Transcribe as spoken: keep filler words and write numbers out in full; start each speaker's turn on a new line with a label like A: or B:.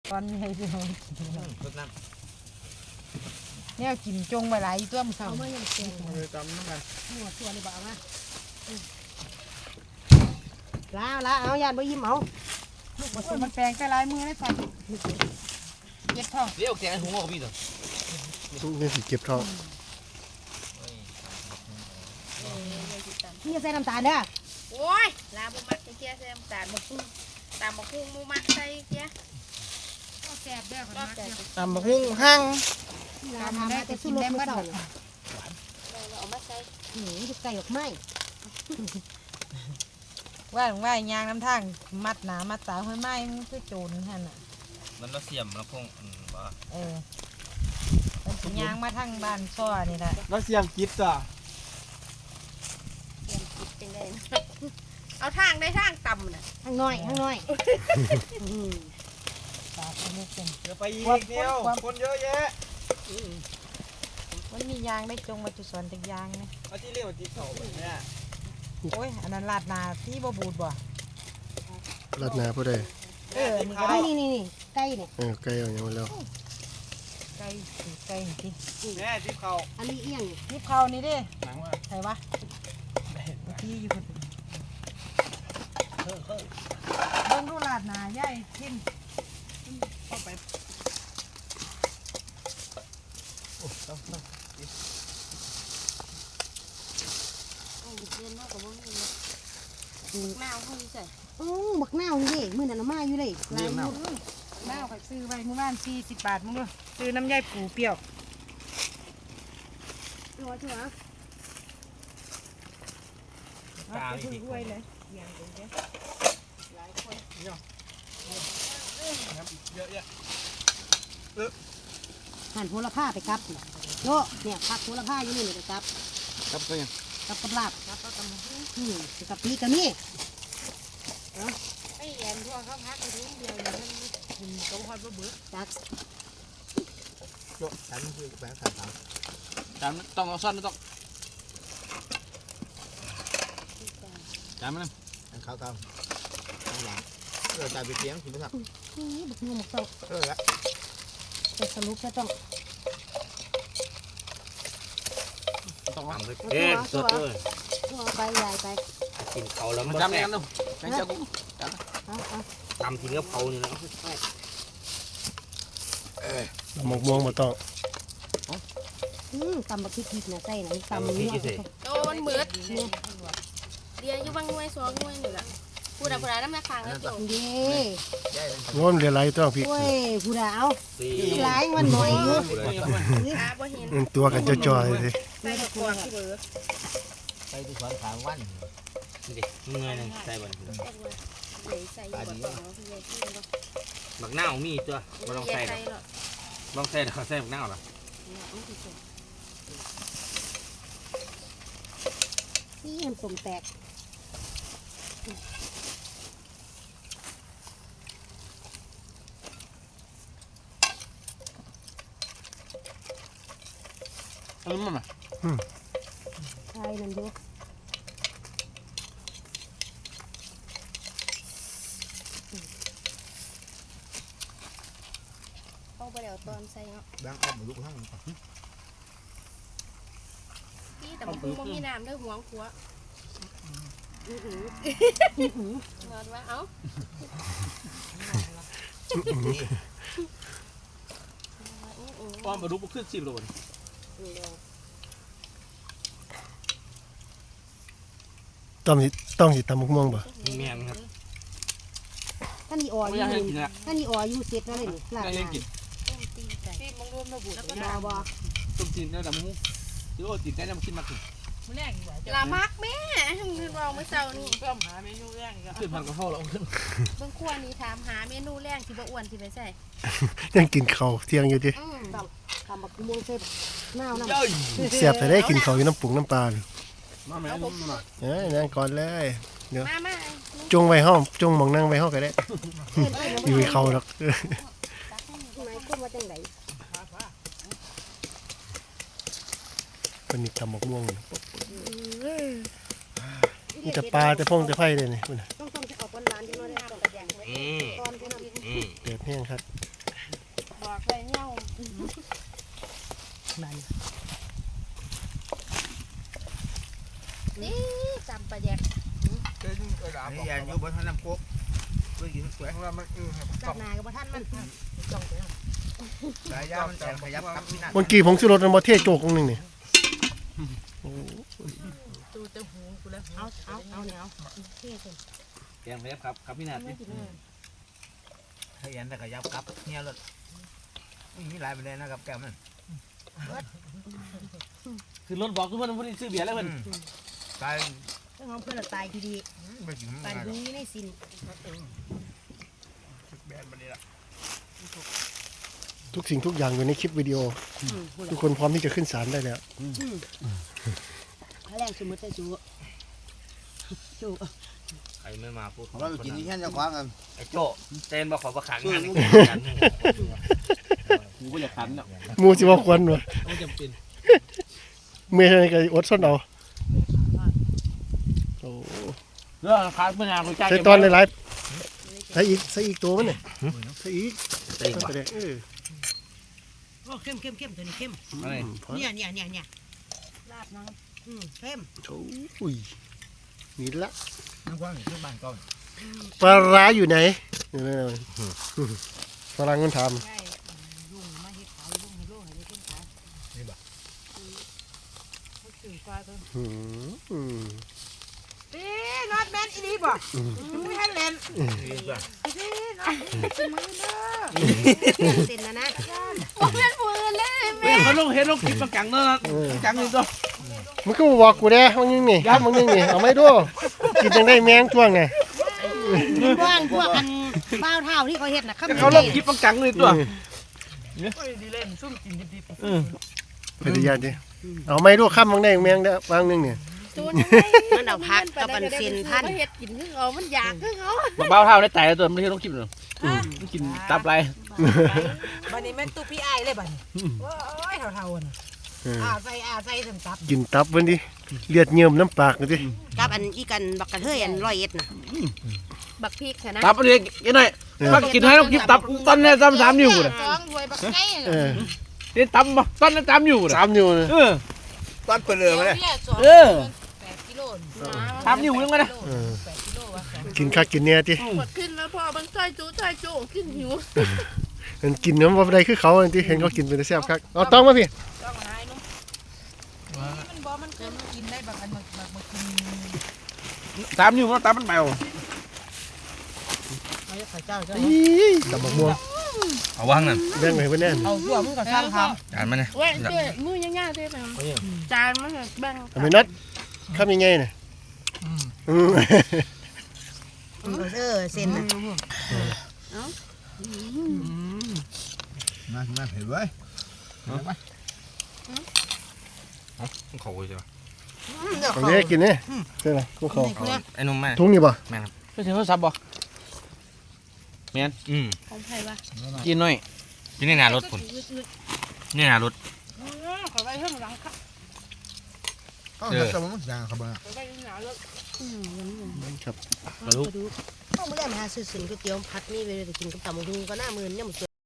A: ตอนนี้ให้พี่น้องกิน
B: รดน้ำ
A: เนี่ยกินจงไปหลายตัวมันเศร้า
C: เอามาอย่างเสียง
B: มือตำน้ำกัน
C: หัวตัวเลยบ่เอามาลาลาเอายานบ่ยิ้มเอา
A: ลูกผสมมันแปลงไปหลายมือได้ใส่เย็ดท้อง
B: เดี๋ยวแกงหัวกับพี่ตัว
D: นี่สิเก็บท้อง
C: นี่จะใส่น้ำตาลเด้อ
E: โอ้ยลาบุมักเกี้ยใส่น้ำตาลมะกุ้งตามมะกุ้งมูมักใส่เกี้ย
A: ก็แซ่บเด้อคนมากเด้อ
B: ตำบักหุ่งหั่ง
C: ลาทำมาแต่สู้รถมาเศร้า
E: เราเอามาใส่
C: หืมจะไก่ออกไม้
A: ว่าหลวงว่ายางน้ำทางมัดหนามัดสาวห้อยไม้มันคือโจรหั่นน่ะ
B: มันเราเสียมเราคงบ่
A: เออมันสิยางมาทางบ้านซ้อนี่แหละ
B: เราเสียมกิดจ้ะ
E: เตรียมคิดจังได้นะเอาทางได้ทางต่ำน่ะ
C: ข้างน้อยข้างน้อย
A: ตาเป็นลูกเป็น
B: เดี๋ยวไปอีกเดียวคนเยอะแยะ
A: มันมียางได้จงมาจุดสอนจากยางนะ
B: เอาที่เรียกว่าที่เขาแบบเนี้ย
A: โอ้ยอันนั้นลาดนาที่บ่บูดบ่
D: รัดหนาผู้ใด
A: เออนี่ก็ได้
C: นี่นี่นี่ไก่เนี่ย
D: เออไก่เอาอย่างมาแล้ว
A: ไก่สิไก่นี่สิ
B: แม่ที่เขา
C: อันนี้เอียง
A: ยิบเขานี่เด้
B: หนังว่า
A: ใส่วะที่อยู่คนเบิ่งดูลาดนาใหญ่ขึ้น
B: เข้าไปโอ้ต้องต้อง
E: โอ้ยเรียนมากกว่าบ่มีเลยแมวเขาใส่
C: โอ้บักนาวนี่มื้อนั้นเอามาอยู่เลยลายอยู่
A: น้าข่อยซื้อไว้เมื่อวานสี่สิบบาทมึงดูซื้อน้ำยายปูเปรี้ยว
C: รอชัวร์
A: เอาไปซื้อถ้วยเลยเยี่ยงเด้อ
B: เยอะแยะ
C: หั่นโหระพาไปกับโยเนี่ยผักโหระพาอยู่นี่ไปกับ
B: ครับก็ยัง
C: กับกับลาบกับกับอืมกับปีกับนี่
A: ไอ้แอนทั่วเขาพักไปทุกเดียวเนี่ยมันกินเขาฮอดบ่เบิด
C: จัก
B: โยฉันคือแบงค์สามสามจานต้องเอาซ่อนต้องจานมันนั่นเขาตามข้างหลังเออจานไปเลี้ยงคุณผู้ชม
C: นี่บักนูบักเต้า
B: เออละ
C: แต่สรุปจะต้อง
B: ต้องทำเลย
C: เอ๊ะสดเลยเอาไปยายไป
F: กินเขาแล้ว
B: มั
F: มัน น
B: จำแน่นดูแบงค์เจ้ากู
C: เอาเอา
F: ตำกินกับเขานี่นะ
D: หมกม่วงมาต้อง
C: อืมตำบักพริกพริกนะใส่นะตำนี่
E: โอ้มันเหมือดเดียวอยู่บางหน่วยสองหน่วยนี่ล่ะพูดอะพูดอะน้ำหนักคางแล้วจบ
C: เด้
D: ง้อมเรียไรต้องพริก
C: โอ้ยผู้ดาว
F: สี่
C: หลายวันหน่อยอยู่
E: หาบ่เห็น
D: อืมตัวกันจะจอยๆเลย
E: ใส่กวางที่เบอร์
B: ไปที่สวนสามวัน
F: นี่ดิมึงไงนึงใส่บอล
E: เลยใส่อยู่บ่ต้องเอาที่ใหญ่ที่บ่
F: บักหน้ามีตัวมาลองใส่
E: ใส่หรอก
F: ลองใส่เขาใส่บักหน้าหรอ
C: นี่มันสมแตก
B: เอามันมา
C: ใช่นั่นอยู่
E: เอาไปเดี๋ยวตอนใส่เนาะ
B: แบงค์เอาหมูลูกทั้ง
E: พี่แต่มันคงบ่มีน้ำเด้อหวงขัว
C: อื้อหือ
E: นอนว่าเอ้า
F: ป้อมมาดูปุ๊บขึ้นสิบโลน
D: ต้องสิต้องสิตำหมกม่วงป่ะ
F: แม่นครับ
C: ท่านนี่อ่อ
F: ไม่
C: อ
F: อยากให้
C: ยู่
F: กินละ
C: ท่านนี่อ่ออยู่เสร็จแล้วเลยนี่ลาด
F: อยากให้กิน
E: ต้มตีนไก่
A: ที่มึงรวมระบุแล้วก็
C: บ่บ่
F: ต้มจีนได้ดำมูที่โอ้จีนได้ดำกินมาถึง
A: มื้อแรกดีกว่าจะ
E: ลามักแม่คือเราเมื่อเช้านี่
A: เพิ่มหาเมนูแรกอีก
F: ขึ้นพันกระเพราแล้วขึ้น
E: เบิ่งครัวนี้ถามหาเมนูแรงที่บ่อ้วนที่ไปใส่
D: ยังกินข้าวเที่ยงอยู่ดิ
E: อืม
C: ตำบักม่วงเสร็จน้าวน้ำ
F: เย้ย
D: เสียบแต่ได้กินข้าวอยู่น้ำปุงน้ำปลาเลย
F: มาแม่นุ่มมา
D: เอ้ยนั่งก่อนเลย
E: มามา
D: จงไว้ห้องจงหมองนั่งไว้ห้องก็ได้
C: เพื่อนเพื่อน
D: อยู่ให้เขาหรอก
C: ไหนขึ้นมาจังไหน
D: มันมีตำหมกม่วงอยู่นี่แต่ปลาแต่พงแต่ไผ่เลยนี่พุ่นน่ะ
C: ต้องต้องจะออกวันร้านจังเลยต้องกระแดงไว้
F: อืม
C: ตอนที่น้ำ
F: อืม
D: เดือดแห้งครับ
E: อกไปเงี้ยว
C: บ้าน
E: นี่จำประแยก
F: เจ้าเออดาบ
B: นี่ยันอยู่บนทางน้ำโคกเพื่อกินสวย
F: ของเรามันเออครับ
C: จากนากับท่านมันจ้องไปเอา
B: สายยามันแอนขยับกับพี่นัท
D: เมื่อกี้ผมซื้อรถมาเทศโจกตรงนึงนี่โอ้
A: ตูเต้าหูกูแล้ว
C: เอาเอาเอาเนี่ยเอาเท่สุด
F: แกงเล็บครับครับพี่นาที
B: ขยันแต่ขยับกับเนี่ยรถมีหลายประเด็นนะครับแก้วมัน
F: คือรถบอกทุกคนพูดซื้อเบียร์แล้วเพิ่น
B: ตาย
C: เรื่องของเพื่อนตายทีดี
B: ไม่กิน
C: ตายดีในสิน
F: แบนมันนี่ละ
D: ทุกสิ่งทุกอย่างอยู่ในคลิปวิดีโอ ทุกคนพร้อมที่จะขึ้นศาลได้แล้ว
C: ถ้าแรงสมมติจะจูจู
F: ใครไม่มาพูด
B: เรากินที่แค่จะคว้ากัน
F: ไอ้โจ้เต้นมาขอประคังงานกูก็อยากขันเนาะ
D: หมูสิว่าควรวะ
F: ไม่จำเป็น
D: เมื่อไรก็อดส้นเอาโอ้
F: เรื่องขาดเมื่อนานกูจ้าง
D: ใส่ตอนหลายๆใส่อีกใส่อีกตัวมันเนี่ยใส่อีก
F: เต้น
D: ใส่ไปเลยเออ
C: โอ้เข้มเข้มเข้มตัวนี้เข้ม
F: อะไร
C: เนี่ยเนี่ยเนี่ยเนี่ย
E: ลาบนัง
C: อืมเข้ม
D: โอ้ยนี่ละ
B: น้ำคว้าที่บ้านก่อน
D: ปลาร้าอยู่ไหนนี่นะฝรั่งมันท
C: ใช่ลุงมาเฮ็ดขายลุงให้ลุงให้ได้ขึ้นขายนี่บ่เขาสื่อฟ้าตัว
D: ำหืมอืม
A: ตีนอตแมนอีนี่บ่ไม่ให้เล่น
B: ดีกว่า
A: ตีนอตมือเด้อ
C: เส้นแล้วนะ
E: โอ้เป็นมือเลย
F: เว้ยเขาลงเห็นลงคลิปประกังเนาะจังนี่ตัว
D: มันก็บอกกูแด้มันยังนี่มันยังนี่เอาไม่ดูกินจังได้แมงช่วงไง
C: พวกพวกกันเบ้าเท่าที่เขาเฮ็ดน่ะ
F: เขาลงคลิปประกังเลยตัว
A: โอ้ยดีเล่นซุ่มกินดิบ
D: พยายามดิเอาไม่ดูข้ามบางได้แมงได้บางนึงเนี่ย
E: จูน
C: มันเอาพักกับมันเส้นพัน
E: เห็ดกินคือเขามันอยากคือเขา
F: เบาเท่าได้แต่ตัวไม่ใช่ลงคลิปหรอกมันกินตับไร
A: ๆบัดนี้แม่นตู้พี่ไอ้ายเลยบัดนี้โอ้ยเท่าๆน่ะอ่าใส่อ่าใส่สำตับ
D: กินตับวันดิเลือดเยิ่มน้ำปากเลยดิ
C: กับอันอีกันบักกระเทยอันร้อยเอ็ดน่ะ
E: บักพริกค่ะนะ
F: ตับอะไรกินหน่อยมากินให้ลงคลิปตับตอนนี้ซ้ำสามนิ้วเลย
E: สองรวยบักไก่
D: เออ
F: นี่ตับมาตอนนั้นสามนิ้วเลย
D: สามนิ้วเลย
F: เออ
B: ตอนเปิดเรือมาเลย
F: เออ
A: แปดกิโล
F: สามนิ้วยังไงนะ
D: เออ
A: แปดกิโลวะ
D: กินข้าวกินเนี่ยดิ
E: หมดขึ้นแล้วพ่อมันใส่จูใส่จูขึ้นหิว
D: มันกินน้ำว่าได้คือเขาที่เห็นเขากินเป็นแซ่บครับเอาต้องมาพี่
A: ต้องหายนุ่มนี่มันบ่มันเคยกินได้บางอันบางบางกิน
F: สามนิ้วมันตับมันเบา
A: ไอ้ไข่เจ้าเจ้า
D: อีตับมะม่วง
F: เอาวางนั่น
D: แบ่งไว้เพื่อนแน่น
A: เอาตัวมึงก็สร้างท
F: จานมันเนี่ย
E: เว้ยเจ้มือย่างๆเจ้ไปจานมันแบ่ง
D: เอาไปนัดข้ามยังไงเนี่ยอืม
C: เออเส้นน่ะ
B: มามาเผ็ดไว้
F: เขาใช่ไหม
D: เอาเนี้ยกินเนี่ยใช่ไหมพวกเขา
F: ไอ้นุ่มแม่
D: ทุ่งนี่ป่ะ
F: แม่ครับไม่ใช่โทรศัพท์บ่แม่นอืม
E: ของใครวะ
F: กินหน่อยกินในหนารถคุณนี่หนารถ
A: ขอไปเพิ่มหลังค่ะ
B: ก็จะมันอย่างครับบ้า
A: ขอไปหนารถ
D: ครับ
F: กระดูก
C: ต้องมาเล่นหาซื้อสินก๋วยเตี๋ยวผัดนี่ไปเลยกินกับตำบักหุ่งก็หน้ามือเนี่ยมัน